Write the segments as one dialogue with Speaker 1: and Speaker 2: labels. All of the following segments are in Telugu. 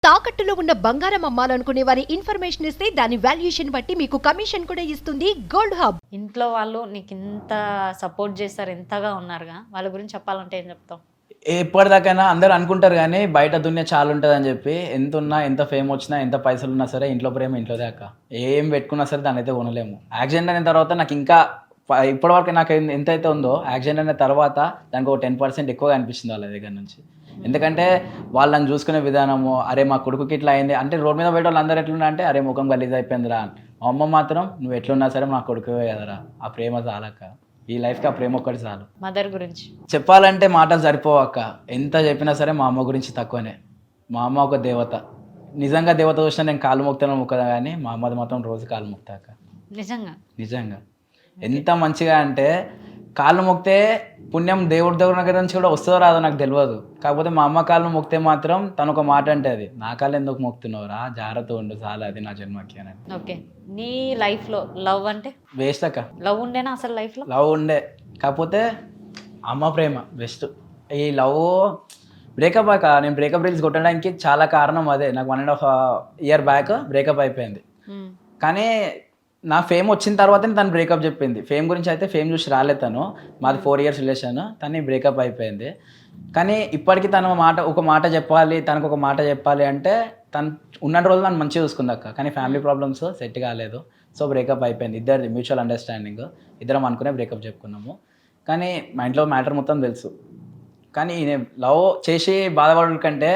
Speaker 1: తాకట్టులో ఉన్న బంగారం అమ్మాలనుకునే వారి ఇన్ఫర్మేషన్ ఇస్తే దాని వాల్యుయేషన్ బట్టి మీకు కమిషన్ కూడా ఇస్తుంది గోల్డ్ హబ్.
Speaker 2: ఇంట్లో వాళ్ళు నీకు ఇంత సపోర్ట్ చేస్తారు, ఎంతగా ఉన్నారుగా, వాళ్ళ గురించి చెప్పాలంటే ఏం చెప్తావు?
Speaker 3: ఎప్పటిదాకైనా అందరూ అనుకుంటారు కానీ బయట దున్య చాలా ఉంటుంది అని చెప్పి, ఎంత ఉన్నా ఎంత ఫేమ్ వచ్చినా ఎంత పైసలు ఉన్నా సరే ఇంట్లో ప్రేమ ఇంట్లో దాకా ఏం పెట్టుకున్నా సరే దాన్ని అయితే కొనలేము. యాక్సిడెంట్ అయిన తర్వాత నాకు ఇంకా ఇప్పటివరకు నాకు ఎంత అయితే ఉందో యాక్సిడెంట్ అయిన తర్వాత దానికి ఒక 10% ఎక్కువగా అనిపిస్తుంది వాళ్ళ దగ్గర నుంచి. ఎందుకంటే వాళ్ళని చూసుకునే విధానము, అరే మా కొడుకుకి ఇట్లా అయింది అంటే రోడ్ మీద పోయే వాళ్ళు అందరూ ఎట్లున్నా అంటే అరే ముఖం గలీజ్ అయిపోయిందిరా. మా అమ్మ మాత్రం నువ్వు ఎట్లున్నా సరే మా కొడుకు కదరా, ఆ ప్రేమ చాలక్క, ఈ లైఫ్కి ఆ ప్రేమ ఒక్కటి చాలు.
Speaker 2: మదర్ గురించి
Speaker 3: చెప్పాలంటే మాటలు సరిపోవక్క, ఎంత చెప్పినా సరే మా అమ్మ గురించి తక్కువనే. మా అమ్మ ఒక దేవత, నిజంగా దేవత చూసినా నేను కాలు మొక్తాను మొక్కదా కానీ మా అమ్మది మాత్రం రోజు కాలు మొక్తాక.
Speaker 2: నిజంగా
Speaker 3: నిజంగా ఎంత మంచిగా అంటే కాళ్ళు మొక్తే పుణ్యం దేవుడి దగ్గర నుంచి కూడా వస్తుందో రాదో నాకు తెలియదు. కాకపోతే మా అమ్మ కాళ్ళు మొక్తే మాత్రం తను ఒక మాట అంటే అది, నా కాళ్ళు ఎందుకు మొక్తున్నావురా, జాగ్రత్త ఉండు చాలా, అది నా జన్మకి అని.
Speaker 2: ఓకే, నీ లైఫ్లో లవ్ అంటే
Speaker 3: వేస్ట్ అక్క.
Speaker 2: లవ్ ఉండేనా అసలు లైఫ్లో?
Speaker 3: లవ్ ఉండే, కాకపోతే అమ్మ ప్రేమ బెస్ట్. ఈ లవ్ బ్రేకప్ అక్క, నేను బ్రేకప్ రీల్స్ కొట్టడానికి చాలా కారణం అదే. నాకు 1.5 year బ్యాక్ బ్రేకప్ అయిపోయింది. కానీ నా ఫేమ్ వచ్చిన తర్వాతనే తను బ్రేకప్ చెప్పింది. ఫేమ్ గురించి అయితే ఫేమ్ చూసి రాలేదు తను, మాది 4 years రిలేషన్, తను బ్రేకప్ అయిపోయింది. కానీ ఇప్పటికీ తను ఒక మాట చెప్పాలి, తనకు ఒక మాట చెప్పాలి అంటే తను ఉన్న రోజు నన్ను మంచిగా చూసుకుంది అక్క. కానీ ఫ్యామిలీ ప్రాబ్లమ్స్ సెట్ కాలేదు, సో బ్రేకప్ అయిపోయింది. ఇద్దరిది మ్యూచువల్ అండర్స్టాండింగ్, ఇద్దరం అనుకునే బ్రేకప్ చెప్పుకున్నాము. కానీ మా ఇంట్లో మ్యాటర్ మొత్తం తెలుసు. కానీ నేను లవ్ చేసి బాధపడడం కంటే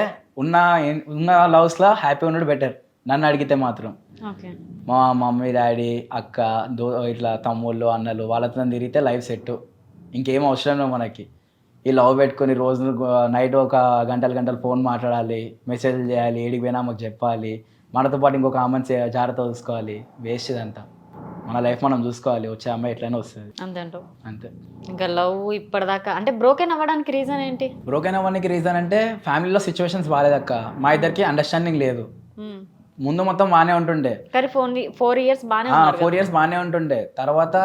Speaker 3: ఉన్న లవ్స్లో హ్యాపీ ఉండడం బెటర్ నన్ను అడిగితే మాత్రం.
Speaker 2: ఓకే,
Speaker 3: మా మమ్మీ డాడీ అక్క ఇట్లా తమ్ముళ్ళు అన్నలు వాళ్ళతో తిరిగితే లైఫ్ సెట్, ఇంకేం అవసరం లేదు మనకి. ఈ లవ్ పెట్టుకొని రోజు నైట్ ఒక గంటలు ఫోన్ మాట్లాడాలి, మెసేజ్ చేయాలి, ఏడికి పోయినా మాకు చెప్పాలి, మనతో పాటు ఇంకొక అమ్మాయిని జాగ్రత్త చూసుకోవాలి. వేస్ట్ ఇదంతా. మన లైఫ్ మనం చూసుకోవాలి, వచ్చే అమ్మాయి ఎట్లయినా వస్తుంది
Speaker 2: అంతే.
Speaker 3: అంతే.
Speaker 2: ఇంకా లవ్ ఇప్పటిదాకా అంటే బ్రోకెన్ అవ్వడానికి రీజన్ ఏంటి?
Speaker 3: బ్రోకెన్ అవ్వడానికి రీజన్ అంటే ఫ్యామిలీలో సిచ్యువేషన్స్ బాగాలేదక్క, మా ఇద్దరికి అండర్స్టాండింగ్ లేదు. ముందు మొత్తం బాగానే ఉంటుండే,
Speaker 2: కానీ 4 years బాగానే
Speaker 3: 4 years బాగానే ఉంటుండే. తర్వాత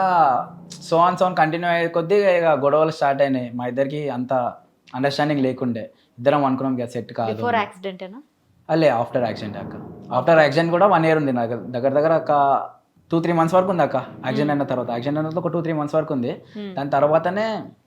Speaker 3: సోన్ కంటిన్యూ అయ్యే కొద్దీ ఇక గొడవలు స్టార్ట్ అయినాయి. మా ఇద్దరికి అంత అండర్స్టాండింగ్ లేకుండే, ఇద్దరం అనుకున్నాం ఇక సెట్ కాదు.
Speaker 2: బిఫోర్ యాక్సిడెంటేనా?
Speaker 3: అలే ఆఫ్టర్ యాక్సిడెంట్ అక్క. ఆఫ్టర్ యాక్సిడెంట్ కూడా 1 year ఉంది నాకు దగ్గర ఒక 2-3 months వరకు ఉంది అక్క. యాక్సిడెంట్ అయిన తర్వాత ఒక 2-3 months వరకు ఉంది. దాని తర్వాతనే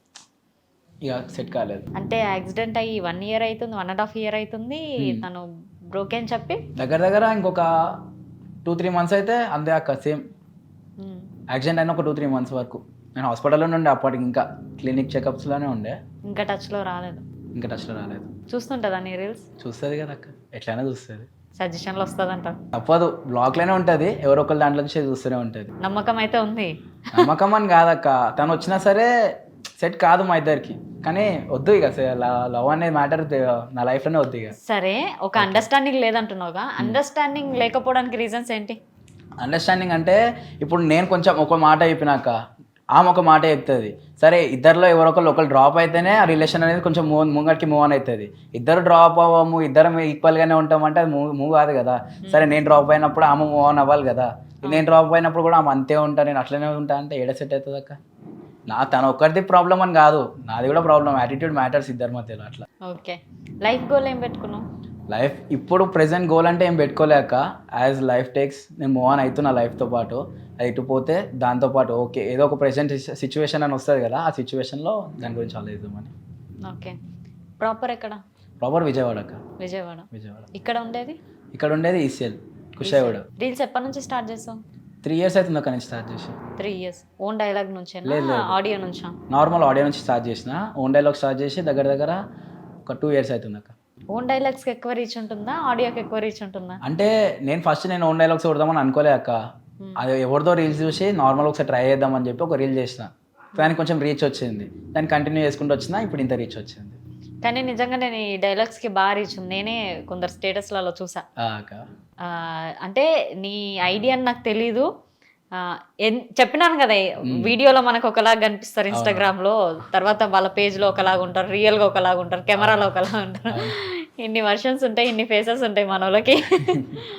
Speaker 3: ఇక సెట్ కాలేదు.
Speaker 2: అంటే యాక్సిడెంట్ అయ్యి 1 year అవుతుంది, 1.5 year అవుతుంది, తను బ్రోకెన్ చెప్పి
Speaker 3: దగ్గర ఇంకొక 2-3 months అయితే అంతే అక్క. సేమ్ యాక్సిడెంట్ అయిన ఒక 2-3 months వరకు నేను హాస్పిటల్లోనే ఉండే, అప్పటికి ఇంకా క్లినిక్ చెకప్స్లోనే ఉండే.
Speaker 2: ఇంకా టచ్లో రాలేదు?
Speaker 3: ఇంకా టచ్లో రాలేదు.
Speaker 2: చూస్తుంటుందా నీ రీల్స్?
Speaker 3: చూస్తుంది కదా అక్క, ఎట్లయినా చూస్తుంది.
Speaker 2: సజెషన్లు వస్తుందంట?
Speaker 3: తప్పదు, బ్లాక్లోనే ఉంటుంది, ఎవరో ఒకరు దాంట్లో నుంచి చూస్తూనే ఉంటుంది.
Speaker 2: నమ్మకం అయితే ఉంది?
Speaker 3: నమ్మకం అని కాదక్క, తను వచ్చినా సరే సెట్ కాదు మా ఇద్దరికి. కానీ వద్దు ఇక లవ్ అనే మ్యాటర్ నా లైఫ్లోనే వద్దు ఇక.
Speaker 2: సరే, ఒక అండర్స్టాండింగ్ లేదంటున్నావుగా, అండర్స్టాండింగ్ లేకపోవడానికి రీజన్స్ ఏంటి?
Speaker 3: అండర్స్టాండింగ్ అంటే ఇప్పుడు నేను కొంచెం ఒక మాట చెప్పినాక ఆమె ఒక మాట చెప్తుంది, సరే ఇద్దరిలో ఒకరు డ్రాప్ అయితేనే ఆ రిలేషన్ అనేది కొంచెం ముంగటికి మూవ్ ఆన్ అవుతుంది. ఇద్దరు డ్రాప్ అవ్వము, ఇద్దరం ఈక్వల్గానే ఉంటామంటే అది మూవ్ కాదు కదా. సరే నేను డ్రాప్ అయినప్పుడు ఆమె మూవ్ ఆన్ అవ్వాలి కదా, నేను డ్రాప్ అయినప్పుడు కూడా ఆమె అంతే ఉంటా, నేను అట్లనే ఉంటా అంటే ఏడ సెట్ అవుతుంది అక్క. తన ఒక్కరిది ప్రాబ్లం అని కాదు, నాది కూడా ప్రాబ్లం. యాటిట్యూడ్ మ్యాటర్స్ ఇద్దరి మధ్యలో అట్లా.
Speaker 2: ఓకే, లైఫ్ గోల్ ఏం పెట్టుకున్నావు?
Speaker 3: లైఫ్ ఇప్పుడు ప్రెసెంట్ గోల్ అంటే ఏం పెట్టుకోలేక, యాజ్ లైఫ్ టేక్స్ నేను మూవ్ ఆన్ అవుతున్నా లైఫ్తో పాటు. అది ఇటుపోతే దాంతోపాటు ఓకే ఏదో ఒక ప్రెసెంట్ సిచ్యువేషన్ అని వస్తుంది కదా, ఆ సిచ్యువేషన్లో దాని గురించి ఆలోచిద్దామని.
Speaker 2: ఓకే, ప్రాపర్ ఎక్కడ?
Speaker 3: ప్రాపర్ విజయవాడ అక్క.
Speaker 2: విజయవాడ. ఇక్కడ ఉండేది
Speaker 3: ఈసీఎల్ కుషాయిగూడ.
Speaker 2: రీల్స్ ఎప్పటి నుంచి స్టార్ట్ చేస్తాం?
Speaker 3: 3 years అవుతుంది అక్కడ నుంచి స్టార్ట్ చేసి.
Speaker 2: 3 years ఓన్ డైలాగ్ నుంచి? ఆడియో నుంచా?
Speaker 3: నార్మల్ ఆడియో నుంచి స్టార్ట్ చేసిన, ఓన్ డైలాగ్ స్టార్ట్ చేసి దగ్గర ఒక 2 years అవుతుంది అక్క.
Speaker 2: ఓన్ డైలాగ్స్కి ఎక్కువ రీచ్ ఉంటుందా, ఆడియోకి ఎక్కువ రీచ్ ఉంటుందా?
Speaker 3: అంటే నేను ఓన్ డైలాగ్స్ కొడదామని అనుకోలే అక్క. అది ఎవరిదో రీల్స్ చూసి నార్మల్ ఒకసారి ట్రై చేద్దామని చెప్పి ఒక రీల్ చేసిన, దానికి కొంచెం రీచ్ వచ్చింది, దాన్ని కంటిన్యూ చేసుకుంటూ వచ్చిన, ఇప్పుడు ఇంత రీచ్ వచ్చింది.
Speaker 2: కానీ నిజంగా నేను ఈ డైలాగ్స్కి బాగా రీచ్ ఉంది. నేనే కొందరు స్టేటస్లలో చూసా. అంటే నీ ఐడియా అని నాకు తెలీదు, చెప్పినాను కదా, వీడియోలో మనకు ఒకలాగా కనిపిస్తారు ఇన్స్టాగ్రామ్లో, తర్వాత వాళ్ళ పేజ్లో ఒకలాగా ఉంటారు, రియల్గా ఒకలాగా ఉంటారు, కెమెరాలో ఒకలాగా ఉంటారు. ఇన్ని వర్షన్స్ ఉంటాయి, ఇన్ని ఫేసెస్ ఉంటాయి మన వాళ్ళకి.